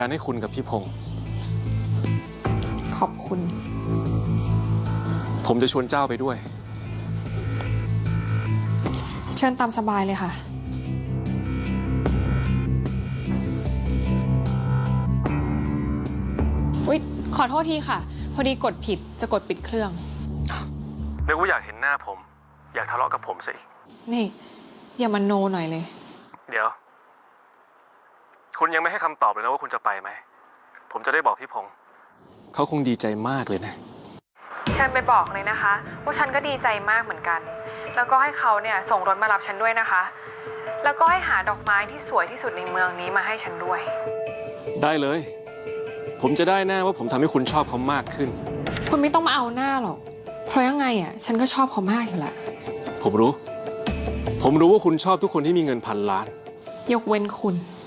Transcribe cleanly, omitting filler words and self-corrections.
การให้คุณกับพี่พงศ์ขอบคุณผมจะชวนเจ้าไปด้วยเชิญตามสบายเลยค่ะอุ๊ยขอโทษทีค่ะพอดีกดผิดจะกดปิดเครื่องนึกว่าอยากเห็นหน้าผมอยากทะเลาะกับผมซะอีกนี่อย่ามาโนหน่อยเลยเดี๋ยวคุณยังไม่ให้คำตอบเลยนะว่าคุณจะไปไหมผมจะได้บอกพี่พงศ์เขาคงดีใจมากเลยนะฉันไปบอกเลยนะคะว่าฉันก็ดีใจมากเหมือนกันแล้วก็ให้เขาเนี่ยส่งรถมารับฉันด้วยนะคะแล้วก็ให้หาดอกไม้ที่สวยที่สุดในเมืองนี้มาให้ฉันด้วยได้เลยผมจะได้แน่ว่าผมทำให้คุณชอบเขามากขึ้นคุณไม่ต้องมาเอาหน้าหรอกเพราะยังไงอ่ะฉันก็ชอบเขามากอยู่แหละผมรู้ว่าคุณชอบทุกคนที่มีเงิน1,000 ล้านยกเว้นคุณ